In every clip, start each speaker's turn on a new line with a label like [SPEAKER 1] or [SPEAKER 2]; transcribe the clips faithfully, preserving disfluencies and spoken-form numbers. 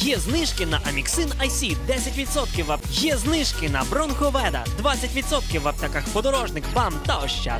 [SPEAKER 1] Є знижки на Аміксин Ай Сі десять відсотків в ап... Є знижки на Бронховеда двадцять відсотків в аптеках Подорожник, БАМ та Ощад.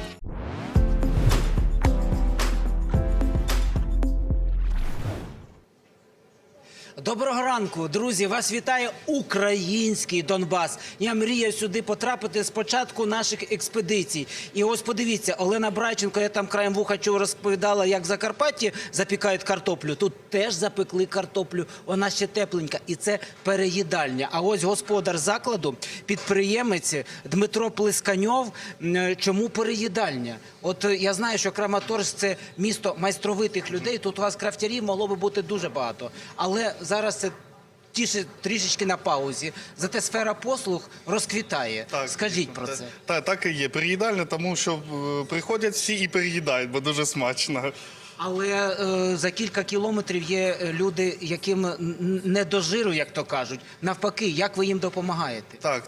[SPEAKER 2] Доброго ранку, друзі! Вас вітає український Донбас. Я мріяв сюди потрапити з початку наших експедицій. І ось подивіться, Олена Брайченко, я там краєм вуха чув, розповідала, як в Закарпатті запікають картоплю. Тут теж запекли картоплю, вона ще тепленька. І це переїдальня. А ось господар закладу, підприємець Дмитро Плесканьов. Чому переїдальня? От я знаю, що Краматорськ – це місто майстровитих людей. Тут у вас крафтярів могло би бути дуже багато. Але зараз це тіше трішечки на паузі. Зате сфера послуг розквітає.
[SPEAKER 3] Так,
[SPEAKER 2] Скажіть про
[SPEAKER 3] так,
[SPEAKER 2] це.
[SPEAKER 3] Так, так і є. Переїдальня, тому що е, приходять всі і переїдають, бо дуже смачно.
[SPEAKER 2] Але е, за кілька кілометрів є люди, яким не до жиру, як то кажуть. Навпаки, як ви їм допомагаєте?
[SPEAKER 3] Так,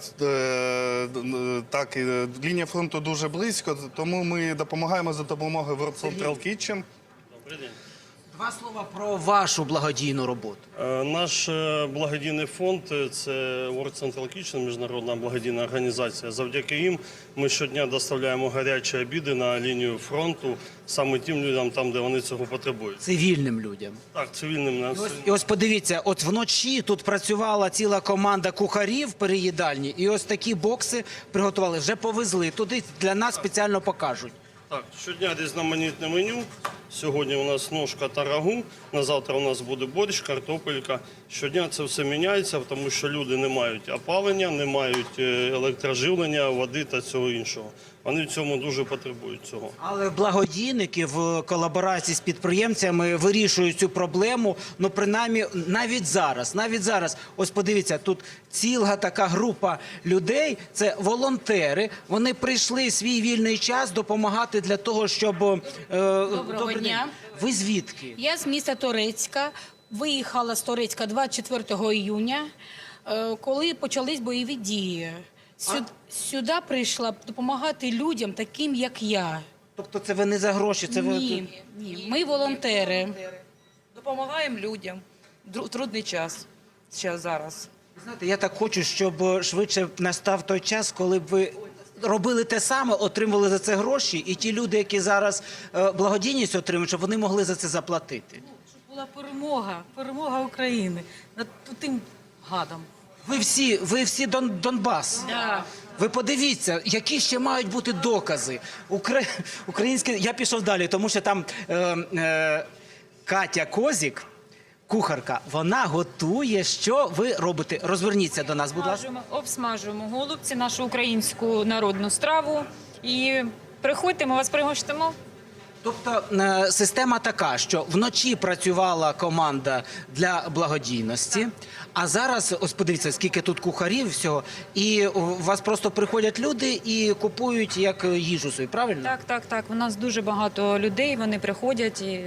[SPEAKER 3] е, так, е, лінія фронту дуже близько, тому ми допомагаємо за допомогою World Central Kitchen.
[SPEAKER 4] Добрий день.
[SPEAKER 2] Два слова про вашу благодійну роботу.
[SPEAKER 4] Е, Наш е, благодійний фонд – це World Central Kitchen, міжнародна благодійна організація. Завдяки їм ми щодня доставляємо гарячі обіди на лінію фронту саме тим людям, там, де вони цього потребують.
[SPEAKER 2] Цивільним людям.
[SPEAKER 4] Так, цивільним нас.
[SPEAKER 2] І ось, і ось подивіться, от вночі тут працювала ціла команда кухарів в переїдальні, і ось такі бокси приготували, вже повезли. Туди для нас спеціально покажуть.
[SPEAKER 4] Так, щодня різноманітне меню. Сьогодні у нас ножка та рагу, на завтра у нас буде борщ, картопелька. Щодня це все міняється, тому що люди не мають опалення, не мають електроживлення, води та цього іншого. Вони в цьому дуже потребують цього.
[SPEAKER 2] Але благодійники в колаборації з підприємцями вирішують цю проблему, ну принаймні навіть зараз, навіть зараз. Ось подивіться, тут ціла така група людей, це волонтери, вони прийшли свій вільний час допомагати для того, щоб... Е,
[SPEAKER 5] Доброго дня.
[SPEAKER 2] Ви звідки?
[SPEAKER 5] Я з міста Торецька. Виїхала з Торецька двадцять четвертого іюня, е, коли почались бойові дії. Сюди, сюди прийшла допомагати людям, таким як я.
[SPEAKER 2] Тобто це ви не за гроші? Це ви...
[SPEAKER 5] Ні, ні, ми волонтери.
[SPEAKER 6] Допомагаємо людям в трудний час, ще зараз.
[SPEAKER 2] Знаєте, я так хочу, щоб швидше настав той час, коли б ви робили те саме, отримували за це гроші, і ті люди, які зараз е, благодійність отримують, щоб вони могли за це заплатити.
[SPEAKER 6] Щоб була перемога, перемога України над тим гадом.
[SPEAKER 2] Ви всі, ви всі Дон, Донбас.
[SPEAKER 5] Да.
[SPEAKER 2] Ви подивіться, які ще мають бути докази. Укра... Українські... Я пішов далі, тому що там е, е, Катя Козік, кухарка, вона готує. Що ви робите? Розверніться до нас, будь ласка.
[SPEAKER 7] Обсмажуємо, обсмажуємо голубці, нашу українську народну страву. І приходьте, ми вас пригостимо.
[SPEAKER 2] Тобто е, система така, що вночі працювала команда для благодійності, а зараз, ось подивіться, скільки тут кухарів всього, і у вас просто приходять люди і купують як їжу собі, правильно?
[SPEAKER 7] Так, так, так. У нас дуже багато людей, вони приходять і,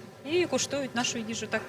[SPEAKER 7] і куштують нашу їжу. Так.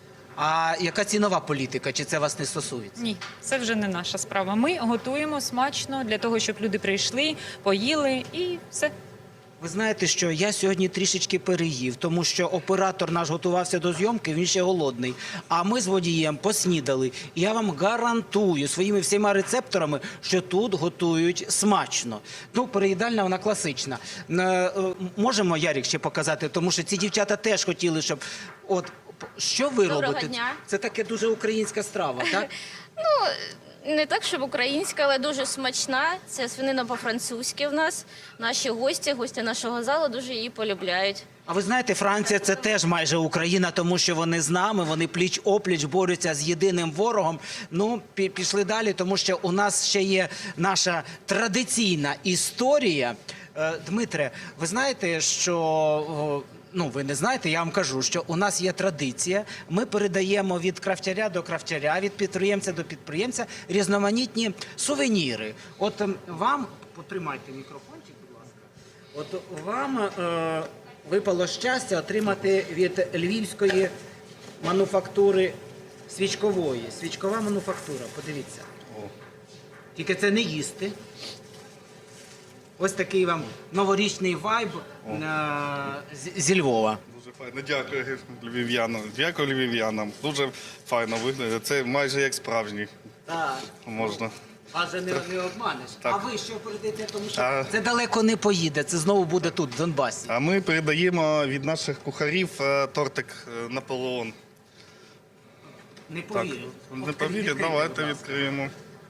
[SPEAKER 2] А яка цінова політика? Чи це вас не стосується?
[SPEAKER 7] Ні, це вже не наша справа. Ми готуємо смачно для того, щоб люди прийшли, поїли і все.
[SPEAKER 2] Ви знаєте, що я сьогодні трішечки переїв, тому що оператор наш готувався до зйомки, він ще голодний. А ми з водієм поснідали. І я вам гарантую своїми всіма рецепторами, що тут готують смачно. Ну, переїдальня, вона класична. Е, е, можемо, Ярік, ще показати, тому що ці дівчата теж хотіли, щоб... От, що ви
[SPEAKER 8] Доброго
[SPEAKER 2] робите?
[SPEAKER 8] дня.
[SPEAKER 2] Це таке дуже українська страва, так?
[SPEAKER 8] Ну, не так, щоб українська, але дуже смачна. Це свинина по-французьки в нас. Наші гості, гості нашого залу дуже її полюбляють.
[SPEAKER 2] А ви знаєте, Франція – це теж майже Україна, тому що вони з нами, вони пліч-опліч борються з єдиним ворогом. Ну, пішли далі, тому що у нас ще є наша традиційна історія. Дмитре, ви знаєте, що... Ну, ви не знаєте, я вам кажу, що у нас є традиція. Ми передаємо від крафтяря до крафтяря, від підприємця до підприємця різноманітні сувеніри. От вам, потримайте мікрофончик, будь ласка. От вам е, випало щастя отримати від львівської мануфактури свічкової. Свічкова мануфактура, подивіться. Тільки це не їсти. Ось такий вам новорічний вайб е, з- зі Львова.
[SPEAKER 3] Дуже файно. Дякую львів'янам. Дякую львів'янам. Дуже файно виглядає. Це майже як справжній.
[SPEAKER 2] Так.
[SPEAKER 3] Можна.
[SPEAKER 2] Вас же не, не обманеш.
[SPEAKER 3] Так.
[SPEAKER 2] А ви що передаєте? Тому що
[SPEAKER 3] А-
[SPEAKER 2] це далеко не поїде, це знову буде тут, в Донбасі.
[SPEAKER 3] А ми передаємо від наших кухарів е, тортик е, Наполеон.
[SPEAKER 2] Не
[SPEAKER 3] Так,
[SPEAKER 2] повірю.
[SPEAKER 3] не повірять, давайте відкриємо.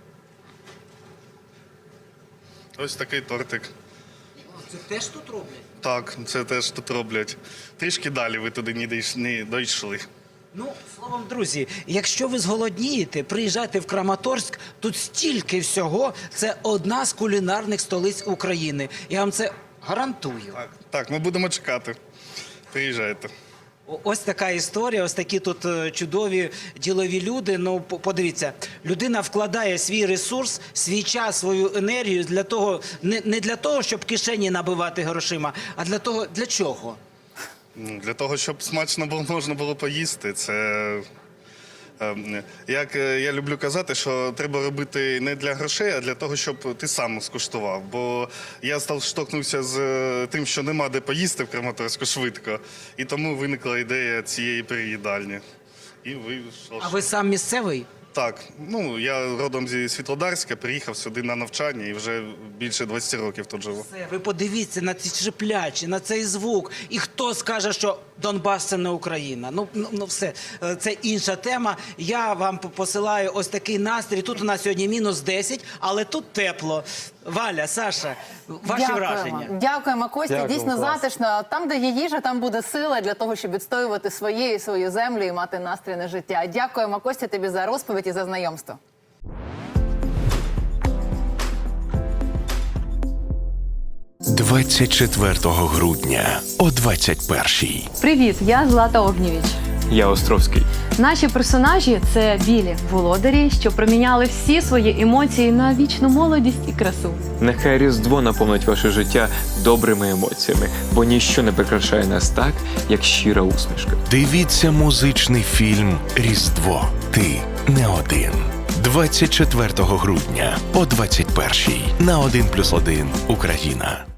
[SPEAKER 3] Ось такий тортик.
[SPEAKER 2] Це теж тут роблять?
[SPEAKER 3] Так, це теж тут роблять. Трішки далі ви туди не дійш- не дійшли.
[SPEAKER 2] Ну, словом, друзі, якщо ви зголоднієте, приїжджайте в Краматорськ, тут стільки всього, це одна з кулінарних столиць України. Я вам це гарантую.
[SPEAKER 3] Так, так, ми будемо чекати. Приїжджайте.
[SPEAKER 2] О- Ось така історія, ось такі тут е, чудові ділові люди. Ну, по- подивіться, людина вкладає свій ресурс, свій час, свою енергію для того, не, не для того, щоб кишені набивати грошима, а для того, для чого?
[SPEAKER 3] Ну, Для того, щоб смачно було, можна було поїсти, це. ем, Як е, я люблю казати, що треба робити не для грошей, а для того, щоб ти сам скуштував. Бо я став штовхнувся з е, тим, що нема де поїсти в Краматорську швидко, і тому виникла ідея цієї переїдальні. І ви що
[SPEAKER 2] А
[SPEAKER 3] ж?
[SPEAKER 2] ви сам місцевий?
[SPEAKER 3] Так, ну я родом зі Світлодарська, приїхав сюди на навчання і вже більше двадцять років тут живу.
[SPEAKER 2] Все, ви подивіться на ці шиплячі, на цей звук. І хто скаже, що Донбас – це не Україна? Ну, ну, ну все, Е, це інша тема. Я вам по- посилаю ось такий настрій. Тут у нас сьогодні мінус десять, але тут тепло. Валя, Саша, ваші
[SPEAKER 9] Дякуємо.
[SPEAKER 2] враження?
[SPEAKER 9] Дякуємо, Костя.
[SPEAKER 10] Дякую,
[SPEAKER 9] Дійсно
[SPEAKER 10] клас.
[SPEAKER 9] затишно. Там, де є їжа, там буде сила для того, щоб відстоювати своє і свою землю і мати настрій на життя. Дякуємо, Костя, тобі за розповідь і за знайомство.
[SPEAKER 11] двадцять четвертого грудня о двадцять першій.
[SPEAKER 12] Привіт, я Злата Огнєвіч.
[SPEAKER 10] Я Островський.
[SPEAKER 12] Наші персонажі це білі володарі, що проміняли всі свої емоції на вічну молодість і красу.
[SPEAKER 10] Нехай Різдво наповнить ваше життя добрими емоціями, бо ніщо не прикрашає нас так, як щира усмішка.
[SPEAKER 11] Дивіться музичний фільм «Різдво. Ти не один». двадцять четвертого грудня о двадцять першій на один плюс один Україна.